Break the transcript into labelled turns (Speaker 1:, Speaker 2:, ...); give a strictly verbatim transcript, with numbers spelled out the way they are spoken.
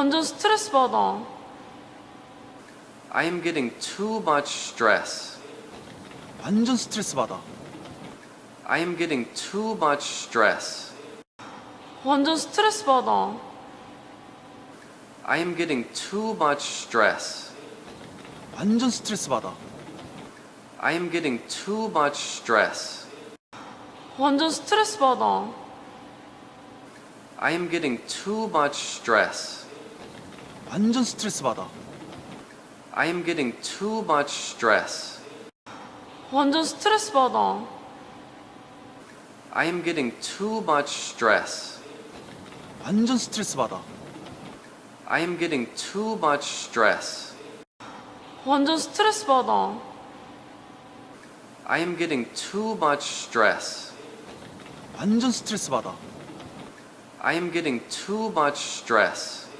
Speaker 1: 완전 스트레스 받아.
Speaker 2: I am getting too much stress.
Speaker 3: 완전 스트레스 받아.
Speaker 2: I am getting too much stress.
Speaker 1: 완전 스트레스 받아.
Speaker 2: I am getting too much stress.
Speaker 3: 완전 스트레스 받아.
Speaker 2: I am getting too much stress.
Speaker 1: 완전 스트레스 받아.
Speaker 2: I am getting too much stress.
Speaker 3: 완전 스트레스 받아.
Speaker 2: I am getting too much stress.
Speaker 1: 완전 스트레스 받아.
Speaker 2: I am getting too much stress.
Speaker 3: 완전 스트레스 받아.
Speaker 2: I am getting too much stress.
Speaker 1: 완전 스트레스 받아.
Speaker 2: I am getting too much stress.
Speaker 3: 완전 스트레스 받아.
Speaker 2: I am getting too much stress.